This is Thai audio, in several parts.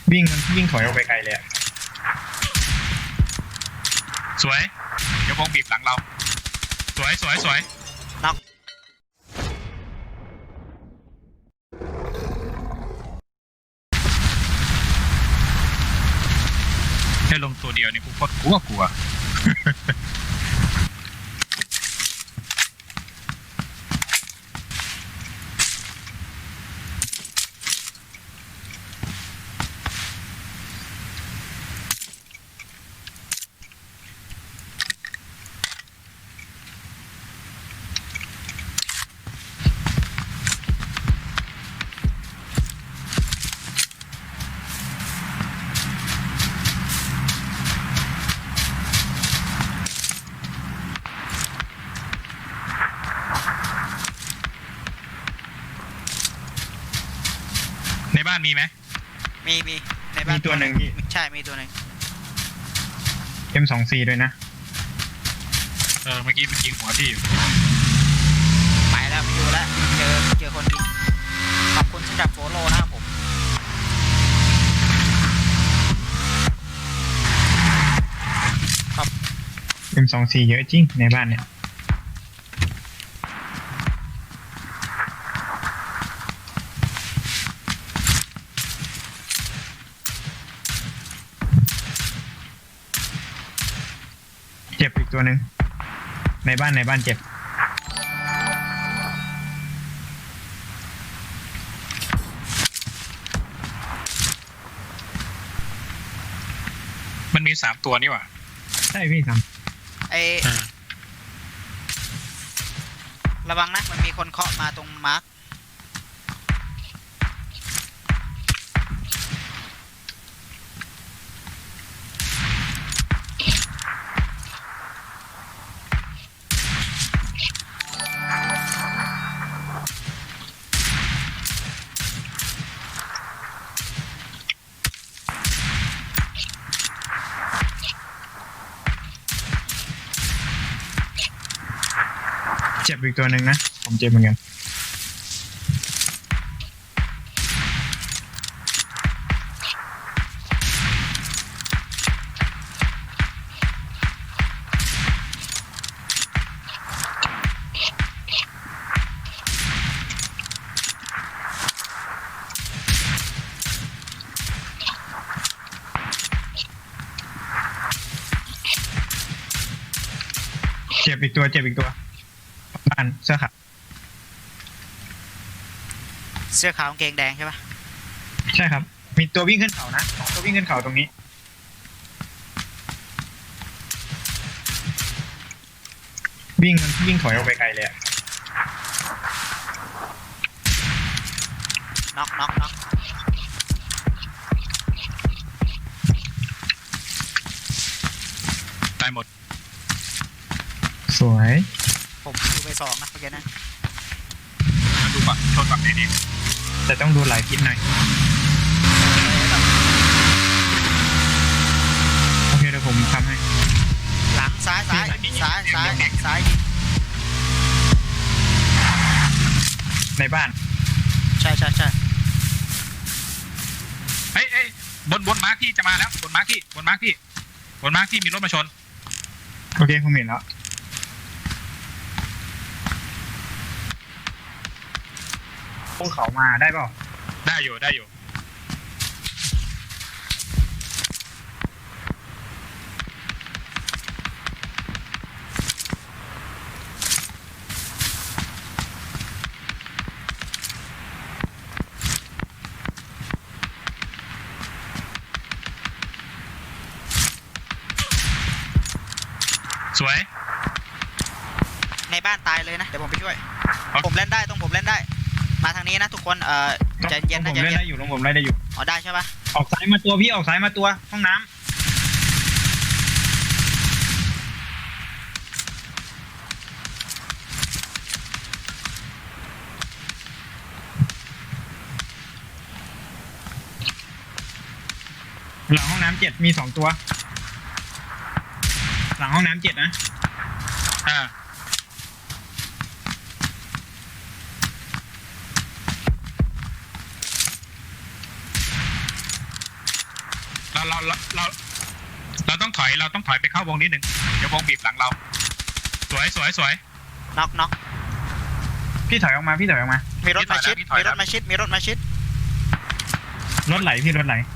วิ่งถอยออกไปไกลเลยอะสวยเดี๋ยววงบีบหลังเราสวยน็อกแค่ลงตัวเดียวนี่กูก็กลัวในบ้านมีไหมมีในบ้านมีตัวหนึ่งพี่ใช่มีตัวหนึ่ง M24ด้วยนะเมื่อกี้มันยิงหัวพี่อยู่ไปแล้วไม่อยู่แล้วเจอคนดีขอบคุณสำหรับโฟโล่นะครับผม M24เยอะจริงในบ้านเนี่ยเจ็บอีกตัวหนึ่งในบ้านเจ็บมันมี3 ตัวนี่หว่าใช่พี่ระวังนะมันมีคนเคาะมาตรงมาร์คเจ็บอีกตัวหนึ่งนะผมเจ็บเหมือนกันเจ็บอีกตัวบ้านเสื้อขาวเสื้อขาวกางเกงแดงใช่ปะใช่ครับมีตัววิ่งขึ้นเขานะตัววิ่งขึ้นเขาตรงนี้วิ่งถอยออกไปไกลเลยอะน็อกตายหมดสวยผมอยู่ไป2นะเมื่อกี้นะมาดูฝั่งชนฝั่งนี้ดิแต่ต้องดูหลายทิศหน่อยโอเคเดี๋ยวผมทำให้หลังซ้ายในบ้านใช่เฮ้ยบนมาร์คที่จะมาแล้วบนมาร์คที่มีรถมาชนโอเคผมเห็นแล้วพวกเขามาได้เปล่าได้อยู่สวยในบ้านตายเลยนะเดี๋ยวผมไปช่วยผมเล่นได้มาทางนี้นะทุกคนใจเย็นนะผมเล่นได้อยู่ผมเล่นได้อยู่อ๋อได้ใช่ปะออกซ้ายมาตัวพี่ออกซ้ายมาตัวห้องน้ำหลังห้องน้ำ7มี2ตัวหลังห้องน้ำ7นะเราต้องถอยไปเข้าวงนิดนึงเดี๋ยววงบีบหลังเราสวยน็อกพี่ถอยออกมาพี่ถอยออกมามีรถมาชิดพี่ถอยมีแล้รวถมาชิดมีรถมาชิดรถไหลพี่รถไหล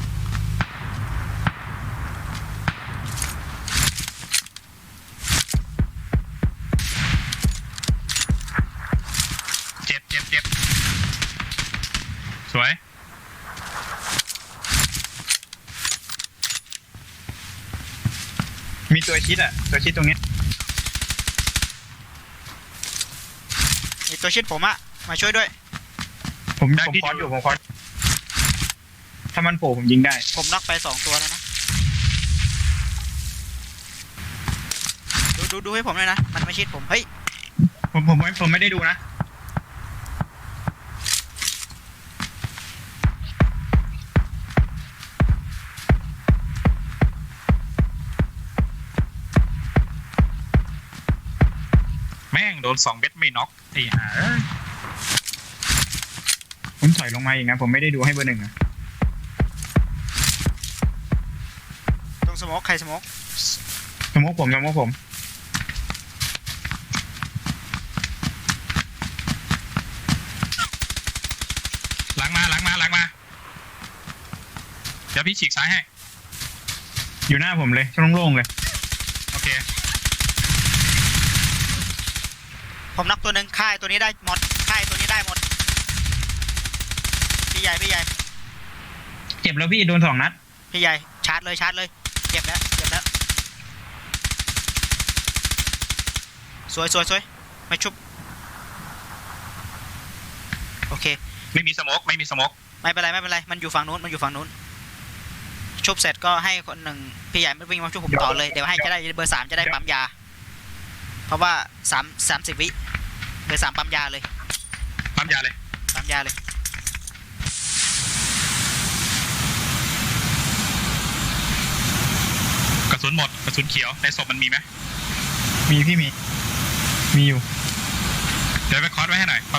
เจ็บสวยมีตัวชิดอ่ะตัวชิดตรงเนี้ยมีตัวชิดผมอะมาช่วยด้วยผมคอร์สอยู่ผมคอร์สถ้ามันโผล่ผมยิงได้ผมน็อกไป2ตัวแล้วนะดูให้ผมเลยนะมันไม่ชิดผมเฮ้ยผมไม่ได้ดูนะแม่งโดน2 เม็ดไม่น็อกไอ้ห่าผมถอยลงมาอีกนะผมไม่ได้ดูให้เบอร์หนึ่งอะตรงสโมกใครสโมกสมมติผมหลังมาเดี๋ยวพี่ฉีกซ้ายให้อยู่หน้าผมเลยช่องโล่งๆเลยโอเคผมน็อกตัวหนึ่งค่ายตัวนี้ได้หมดค่ายตัวนี้ได้หมดพี่ใหญ่เจ็บแล้วพี่โดน2 นัดพี่ใหญ่ชาร์จเลยเจ็บแล้วสวยไม่ชุบโอเคไม่มีสโมกไม่เป็นไรมันอยู่ฝั่งนู้นชุบเสร็จก็ให้คนหนึ่งพี่ใหญ่ไม่วิ่งมาชุบผมต่อเลยเดี๋ยวให้จะได้เบอร์ 3จะได้ปั๊มยาเพราะว่า30 วิเบอร์ 3ปั๊มยาเลยปั๊มยาเลย กระสุนหมดกระสุนเขียวในศพมันมีไหมมีพี่มีอยู่เดี๋ยวไปคอร์สไว้ให้หน่อย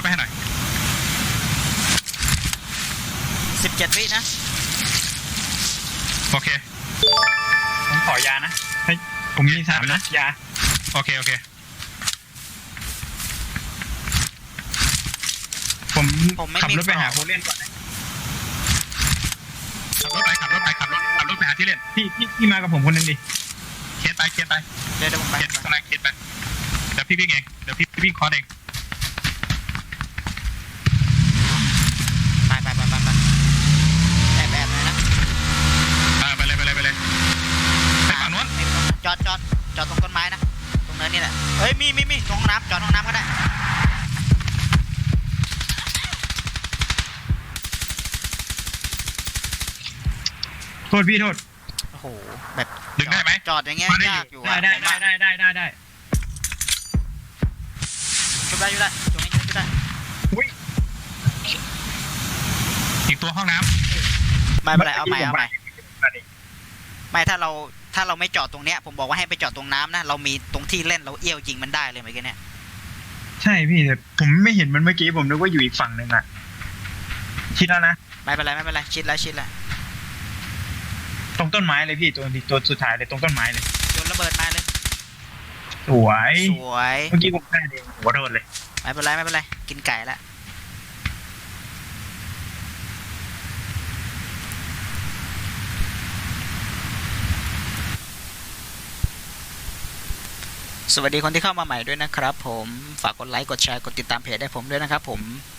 17 วินะโอเคผมขอยานะให้ผมมี3 นะยาโอเคผมผมไม่ขับมีรถไปหาขโคองเล่นก่อนนะขับรถไปหาที่เล่นพี่มากับผมคนหนึงดิเคียนไปเดี๋ยวผมไปเคียนข้างในเคียนไปเดี๋ยวพี่วิ่งเองเดี๋ยวพี่วิ่งคอร์สเองไปแอบเลยนะไปเลยไปฝั่งนู้นจอดตรงต้นไม้นะตรงเนินนี่แหละเฮ้ยมีตรงห้องน้ำจอดห้องน้ำก็ได้โทษพี่โทษโอ้โหแบบดึงได้ไหมจอดอย่างเงี้ยมาได้อยู่ยากอยู่อะได้ผมว่าได้ชุบได้ตรงนี้ชุบได้อุ้ยอีกตัวห้องน้ไม่เป็นไรเอาใหม่มื่กี้ผไม่ถ้าเราไม่จอดตรงเนี้ยผมบอกว่าให้ไปจอดตรงน้ำนะเรามีตรงที่เล่นเราเอี้ยวยิงมันได้เลยเมื่อกี้เนี่ยใช่พี่แต่ผมไม่เห็นมันเมื่อกี้ผมนึกว่าอยู่อีกฝั่งหนึ่งอะคิดแล้วนะไม่เป็นไรชิดแล้วตรงต้นไม้เลยพี่ตัวสุดท้ายเลยตรงต้นไม้เลยโยนระเบิดมาเลยสวยสวยเมื่อกี้ผมพลาดเองหัวโดนเลยไม่เป็นไรกินไก่ละสวัสดีคนที่เข้ามาใหม่ด้วยนะครับผมฝากกดไลค์กดแชร์กดติดตามเพจได้ผมด้วยนะครับผม